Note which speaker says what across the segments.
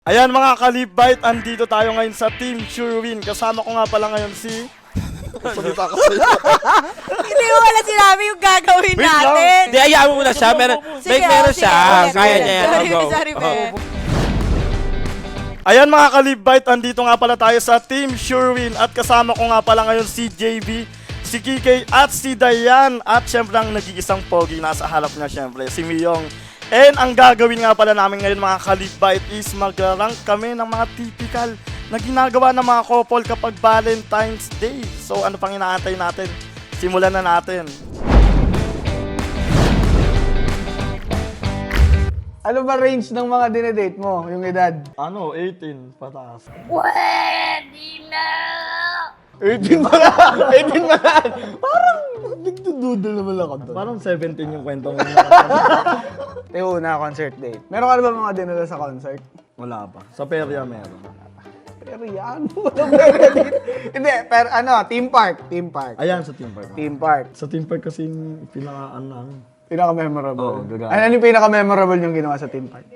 Speaker 1: Ayan mga kalibite, andito tayo ngayon sa Team Surewin. Kasama ko nga pala ngayon si... Salita ka sa'yo.
Speaker 2: Hindi mo wala sinabi yung gagawin natin.
Speaker 3: Hindi, ayaan mo muna siya. Meron siya. Kaya niya yan.
Speaker 2: Sorry,
Speaker 3: Go.
Speaker 1: Ayan mga kalibite, andito nga pala tayo sa Team Surewin. At kasama ko nga pala ngayon si JB, si Kikay at si Dayan. At syempre ang nag-iisang pogi nasa harap niya syempre, si Miyong. And ang gagawin nga pala namin ngayon mga kalibite is mag-rank kami ng mga typical na ginagawa ng mga couple kapag Valentine's Day. So ano pang inaantay natin? Simulan na natin.
Speaker 4: Ano ba range ng mga dinedate mo, yung edad?
Speaker 1: Ano? 18 pataas.
Speaker 4: 18 pa lang! 18 pa lang! Parang nagdududol naman ako doon.
Speaker 1: Parang 17 yung kwento mo.
Speaker 4: Yung una, concert date. Meron ka na ba mga dinala sa concert?
Speaker 1: Wala pa. Sa perya meron.
Speaker 4: Pero yan, walang perya date. Hindi, pero ano, theme park. Theme park.
Speaker 1: Ayan sa Team Park.
Speaker 4: Theme park.
Speaker 1: Sa Team Park kasi yung pinaka-ano.
Speaker 4: Pinaka-memorable.
Speaker 1: Oo, gagana.
Speaker 4: Ano yung pinaka-memorable yung ginawa sa theme park?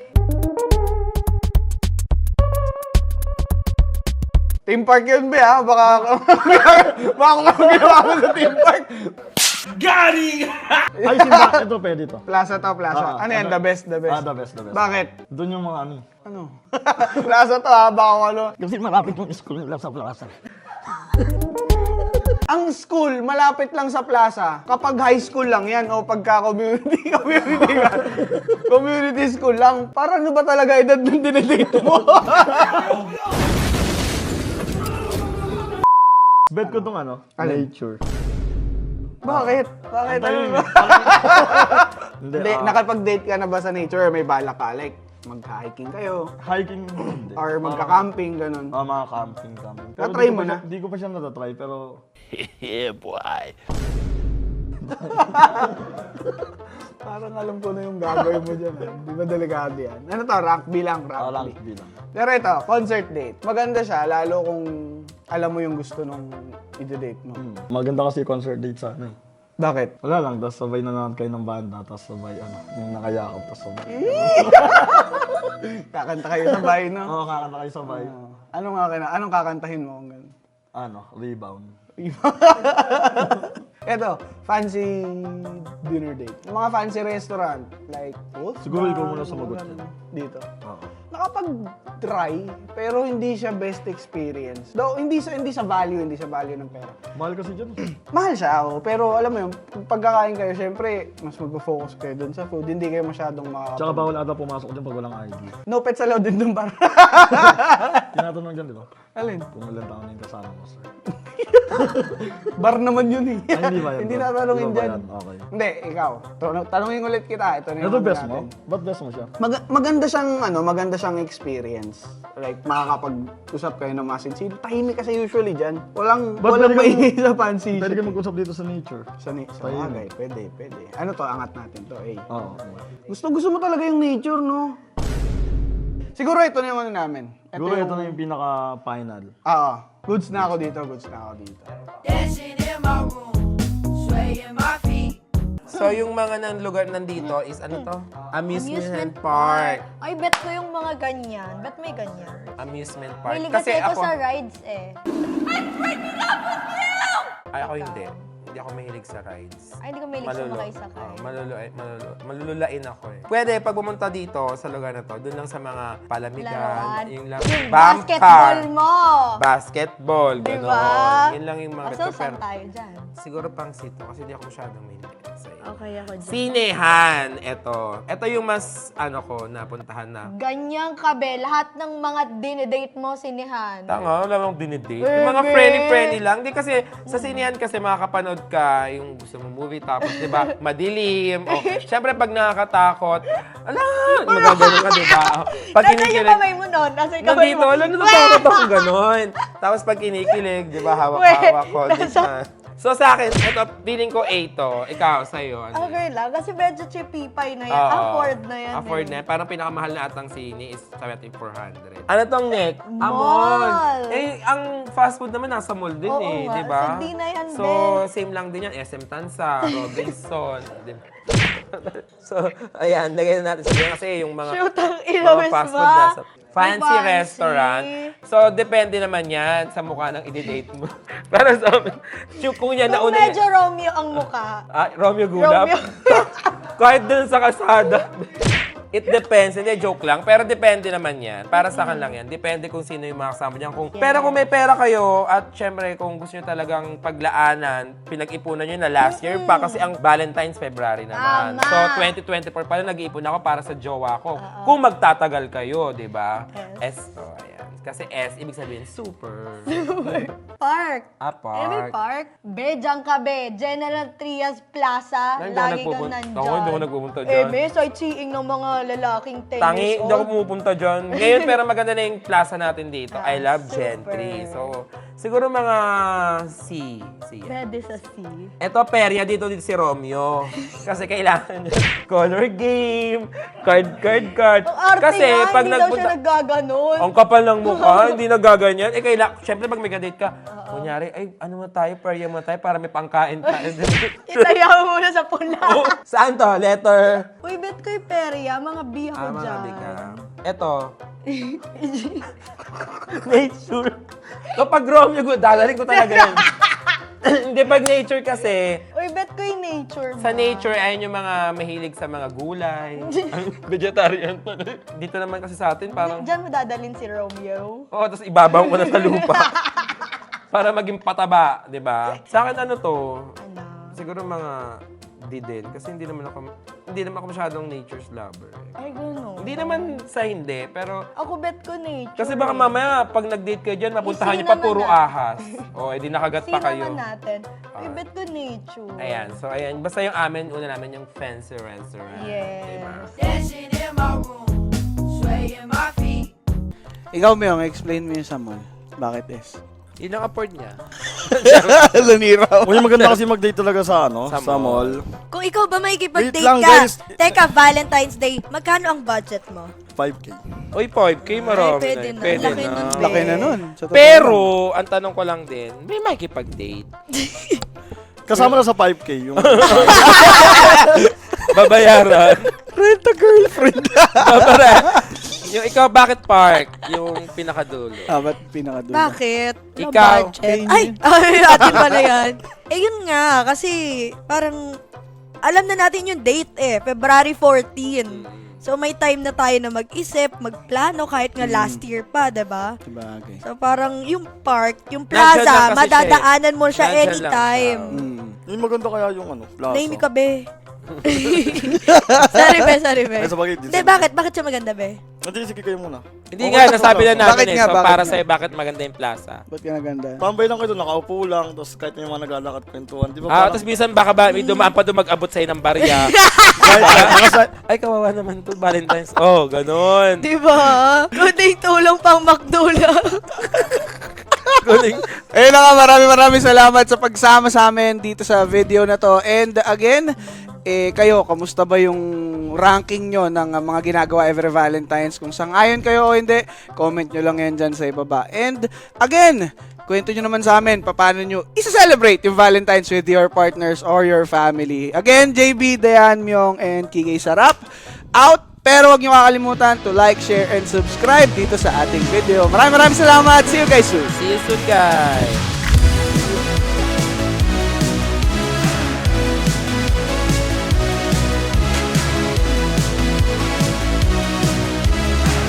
Speaker 4: Theme park yun ba ha? Baka kung ginawa mo sa theme park.
Speaker 1: Ay, simba. Ito, pwede to.
Speaker 4: Plaza to, plaza. Ano yan? The best, the best.
Speaker 1: Ah, the best.
Speaker 4: Bakit?
Speaker 1: Doon yung mga ano.
Speaker 4: Ano? Plaza to ha, baka kung ano.
Speaker 1: Kasi malapit yung school lang sa plaza.
Speaker 4: Ang school, malapit lang sa plaza. Kapag high school lang yan, o pagka community school lang, parang ano ba talaga edad ng dinedate mo?
Speaker 1: Bet ko tong ano,
Speaker 4: Alin?
Speaker 1: nature.
Speaker 4: Bakit? Bakit? Ano ba? Hindi, nakapag-date ka na ba sa nature? May balak ka, like, mag-hiking kayo,
Speaker 1: Hiking, hindi.
Speaker 4: or magka-camping, ganun.
Speaker 1: Mga camping. Pero
Speaker 4: Na-try
Speaker 1: di ko
Speaker 4: mo
Speaker 1: pa
Speaker 4: na?
Speaker 1: siya- Di ko pa siya natatry, pero...
Speaker 3: Yeah, boy.
Speaker 4: Parang alam ko na yung gagawin mo dyan. Di ba delikado yan? Ano to? Rank bilang, rank
Speaker 1: lang,
Speaker 4: B.
Speaker 1: bilang.
Speaker 4: Pero ito, concert date. Maganda siya, lalo kung alam mo yung gusto nung i-date mo.
Speaker 1: Maganda kasi concert date sa ano eh.
Speaker 4: Bakit?
Speaker 1: Wala lang, tapos sabay na naman kayo ng banda, tapos sabay ano, yung nakayakap, tapos sabay.
Speaker 4: Kakanta kayo sabay, no?
Speaker 1: Oo, kakanta kayo sabay.
Speaker 4: Anong kakantahin mo kung gano'n?
Speaker 1: Ano, rebound.
Speaker 4: Eto, fancy dinner date. Yung mga fancy restaurant, like,
Speaker 1: Siguro ikaw muna sumagot
Speaker 4: ano,
Speaker 1: yan.
Speaker 4: dito.
Speaker 1: Oo.
Speaker 4: Nakapag-try, pero hindi siya best experience. Though, hindi sa value ng pera.
Speaker 1: Mahal kasi dyan.
Speaker 4: Mahal siya, pero alam mo yun, pagkakain kayo, syempre, mas mag-focus kayo dun sa food. Hindi kayo masyadong
Speaker 1: Tsaka bawal ata pumasok dyan pag walang ID.
Speaker 4: No pets allowed din dun bar.
Speaker 1: Tinatanong dyan, di ba?
Speaker 4: Alin?
Speaker 1: Kung ilang taon na yung kasama mo, sir.
Speaker 4: Bar naman yun eh.
Speaker 1: Ay, hindi ba yan?
Speaker 4: Hindi
Speaker 1: bro?
Speaker 4: natanongin
Speaker 1: Di ba ba
Speaker 4: dyan.
Speaker 1: yan? Okay.
Speaker 4: Hindi, ikaw. Tanungin ulit kita. Ito na yung
Speaker 1: Ito
Speaker 4: ano
Speaker 1: best mo?
Speaker 4: natin.
Speaker 1: Ba't best mo siya?
Speaker 4: Maganda siyang experience. Like, makakapag-usap kayo ng masinsin. Tahimik kasi usually dyan. Walang
Speaker 1: pwede ka-
Speaker 4: maingay sa fancy.
Speaker 1: Pwede kayo mag-usap dito sa nature.
Speaker 4: Sa bagay, pwede. Ano to, angat natin to, eh.
Speaker 1: Oo.
Speaker 4: Gusto mo talaga yung nature, no? Siguro ito na yung ano namin.
Speaker 1: Siguro ito na yung pinaka-final.
Speaker 4: Oo. Goods na ako dito.
Speaker 5: Dancing in my room, swaying my feet.
Speaker 3: So, yung mga ng lugar nandito is ano to? Amusement park.
Speaker 2: Ay, bet ko yung mga ganyan. Bet may ganyan.
Speaker 3: Amusement park.
Speaker 2: May kasi ako sa rides eh.
Speaker 3: Ay, ako hindi. Hindi ako mahilig sa rides.
Speaker 2: Ay, hindi ko mahilig sumakay sa car.
Speaker 3: Malululain ako eh. Pwede, pag pumunta dito sa lugar na to, doon lang sa mga palamigan,
Speaker 2: Laruan.
Speaker 3: yung lang,
Speaker 2: Yung
Speaker 3: bump
Speaker 2: basketball
Speaker 3: car,
Speaker 2: mo!
Speaker 3: Basketball,
Speaker 2: Diba?
Speaker 3: gano'n. Yun lang yung mga
Speaker 2: So, saan tayo dyan?
Speaker 3: siguro pang sito kasi hindi ako masyadong mahilig sa iyo.
Speaker 2: Okay ako dyan.
Speaker 3: Sinehan, ito yung mas, napuntahan na.
Speaker 2: Ganyan ka, be. Lahat ng mga dinedate mo, sinihan.
Speaker 3: Tanga, wala mong dinidate. Yung mga friendly lang. Di kasi, sa sinehan kasi makakapanood ka, yung gusto mong movie, tapos di ba, madilim. O, syempre pag nakakatakot, magagano ka, di ba? Pag
Speaker 2: Nasaan yung
Speaker 3: kinikilig,
Speaker 2: kamay mo nun? Nasaan yung kamay
Speaker 3: nandito,
Speaker 2: mo?
Speaker 3: wala natatakot ako ganon. Tapos pag kinikilig, di ba, hawak-hawak ko. di ba? So sa akin, ito, feeling ko A to. Ikaw, sa'yo. Ano?
Speaker 2: Okay lang. Kasi medyo chippy-pie na yan.
Speaker 3: Oo.
Speaker 2: Afford na yan.
Speaker 3: Afford
Speaker 2: eh.
Speaker 3: na yan. Parang pinakamahal na atang sini is 7,400. Ano tong neck?
Speaker 2: Mall.
Speaker 3: Eh, ang fast food naman nasa mall din
Speaker 2: Oo
Speaker 3: eh,
Speaker 2: nga.
Speaker 3: di ba?
Speaker 2: So, di na yan,
Speaker 3: So,
Speaker 2: Ben.
Speaker 3: same lang din yan. SM Tansa, Robinson. di ba? So, ayan, lagyan na natin sabihin kasi yung mga
Speaker 2: Shoot ang
Speaker 3: mga
Speaker 2: ilawis
Speaker 3: fast
Speaker 2: ba?
Speaker 3: food nasa... fancy
Speaker 2: Fancy.
Speaker 3: restaurant. So, depende naman yan sa mukha ng i-date mo. Para sa amin, kung yan
Speaker 2: Kung
Speaker 3: nauna
Speaker 2: medyo Romeo ang mukha.
Speaker 3: Romeo Gulap.
Speaker 2: Romeo.
Speaker 3: Kahit dun sa kasada. It depends. Hindi, joke lang. Pero depende naman yan. Para sa akin lang yan. Depende kung sino yung mga kasama niyan. Pero kung may pera kayo, at syempre, kung gusto nyo talagang paglaanan, pinag-ipunan nyo na last year pa. Kasi ang Valentine's February naman.
Speaker 2: Tama.
Speaker 3: So, 2024 pa rin nag-iipon ako para sa jowa ko. Kung magtatagal kayo, di ba? Ayan. Kasi S, ibig sabihin, super.
Speaker 2: Park.
Speaker 3: Park.
Speaker 2: Eh, may park. Be, dyan ka be. General Trias Plaza. Lagi kang nandyan.
Speaker 3: Ako, hindi ako nagpupunta
Speaker 2: Eh,
Speaker 3: dyan.
Speaker 2: be, sightseeing ng mga lalaking 10
Speaker 3: Tangi,
Speaker 2: years
Speaker 3: hindi ako
Speaker 2: old.
Speaker 3: pumupunta dyan. Ngayon, pero maganda na yung plaza natin dito. I love Gentry. So, siguro mga C. C.
Speaker 2: Pwede sa C.
Speaker 3: Ito, perya dito si Romeo. Kasi kailangan niya color game, card.
Speaker 2: Ang arte
Speaker 3: Kasi
Speaker 2: nga,
Speaker 3: pag
Speaker 2: hindi daw siya naggaganon.
Speaker 3: ang kapal ng mukha, hindi nagaganyan. Eh, syempre pag may kadate ka, kunyari, ay, ano mo tayo, perya mo tayo para may pangkain tayo.
Speaker 2: Itaya mo muna sa pula.
Speaker 3: Saan to? Letter?
Speaker 2: Uy, bet ko yung perya. Mga biya ko
Speaker 3: Mga
Speaker 2: dyan.
Speaker 3: bika. Ito. Nature. Kapag Romeo, dadaling ko talaga yan. Hindi, pag nature kasi,
Speaker 2: Uy, bet ko yung nature ba?
Speaker 3: sa nature, ayun yung mga mahilig sa mga gulay. Vegetarian pa. Dito naman kasi sa atin, parang,
Speaker 2: Diyan mo dadalhin si Romeo.
Speaker 3: tapos ibabaw ko na sa lupa. Para maging pataba, di ba? Sa akin, ano to,
Speaker 2: Ano?
Speaker 3: siguro mga D din. Kasi hindi naman ako masyadong nature's lover.
Speaker 2: Ay, gano'n.
Speaker 3: Hindi naman sa hindi, pero
Speaker 2: Ako bet ko nature.
Speaker 3: kasi baka mamaya, pag nag-date kayo dyan, mapuntahan niyo pa
Speaker 2: Isinaman
Speaker 3: puro
Speaker 2: na.
Speaker 3: ahas. O, edi nakagat pa
Speaker 2: Sino
Speaker 3: kayo.
Speaker 2: naman natin? Uy, bet ko nature.
Speaker 3: Ayan, so ayan. Basta yung amin, una namin yung fancy restaurant.
Speaker 2: Yes.
Speaker 3: Diba?
Speaker 5: Dancing in my room, swaying my feet.
Speaker 4: Ikaw, Myong, explain mo yung sa mall. Bakit S?
Speaker 3: Yun ang afford niya.
Speaker 4: Laniraw.
Speaker 1: Uy, maganda kasi mag-date talaga sa
Speaker 3: Sa
Speaker 1: sa mall.
Speaker 6: Kung ikaw ba makikipag-date
Speaker 1: Wait lang,
Speaker 6: ka,
Speaker 1: guys.
Speaker 6: teka, Valentine's Day, magkano ang budget mo?
Speaker 1: 5K.
Speaker 3: Uy, 5K, marami
Speaker 6: pwede
Speaker 3: na.
Speaker 6: na.
Speaker 3: Pwede
Speaker 6: Laki
Speaker 3: na.
Speaker 6: nun, be.
Speaker 4: Laki na nun. Sa totoo
Speaker 3: Pero, ang tanong ko lang din, may makikipag-date?
Speaker 1: Kasama na sa 5K yung
Speaker 3: Babayaran?
Speaker 1: rent a girlfriend.
Speaker 3: Yung ikaw, bakit park? Yung pinakadulo.
Speaker 4: ba't pinakadulo?
Speaker 6: Bakit? Walang
Speaker 3: Ikaw.
Speaker 6: budget. Ay, atin pala yan. Eh, yun nga, kasi parang alam na natin yung date eh, February 14. So, may time na tayo na mag-isip, magplano, kahit nga last year pa, diba?
Speaker 4: Sabagay.
Speaker 6: So, parang yung park, yung
Speaker 3: Nandyan lang
Speaker 6: plaza,
Speaker 3: kasi
Speaker 6: madadaanan mo siya
Speaker 3: Nandyan lang
Speaker 6: anytime.
Speaker 1: Yung maganda kaya yung plaza.
Speaker 6: Name ka, be. sorry, be.
Speaker 1: Ay, sabagay,
Speaker 6: Hindi, bakit? Bakit siya maganda, be?
Speaker 1: Hindi, sige kayo muna.
Speaker 3: Hindi nga, nasabi na namin
Speaker 4: Bakit
Speaker 3: eh.
Speaker 4: nga,
Speaker 3: So,
Speaker 4: bakit
Speaker 3: para
Speaker 4: nga?
Speaker 3: sa'yo, bakit maganda yung plaza?
Speaker 4: Ba't ka naganda?
Speaker 1: Tambay lang kayo doon, nakaupo lang, tapos kahit may mga naglalakad kwentuhan. Di ba
Speaker 3: Tapos minsan baka ba, may dumaan pa doon mag-abot sa'yo ng barya. Ay, kawawa naman to, Valentine's. Oh, ganun.
Speaker 6: Diba? Kuning tulong pang McDo lang.
Speaker 3: Galing.
Speaker 4: Ayun na nga, maraming salamat sa pagsama sa amin dito sa video na to. And again, kayo, kamusta ba yung ranking nyo ng mga ginagawa every Valentine's? Kung sang-ayon kayo o hindi, comment nyo lang yan dyan sa ibaba. And again, kwento nyo naman sa amin, paano nyo isa-celebrate yung Valentine's with your partners or your family. Again, JB, Dayan, Myong, and Kikay Sarap, out! Pero huwag nyo kakalimutan to like, share, and subscribe dito sa ating video. Maraming salamat! See you guys soon!
Speaker 3: See you soon, guys.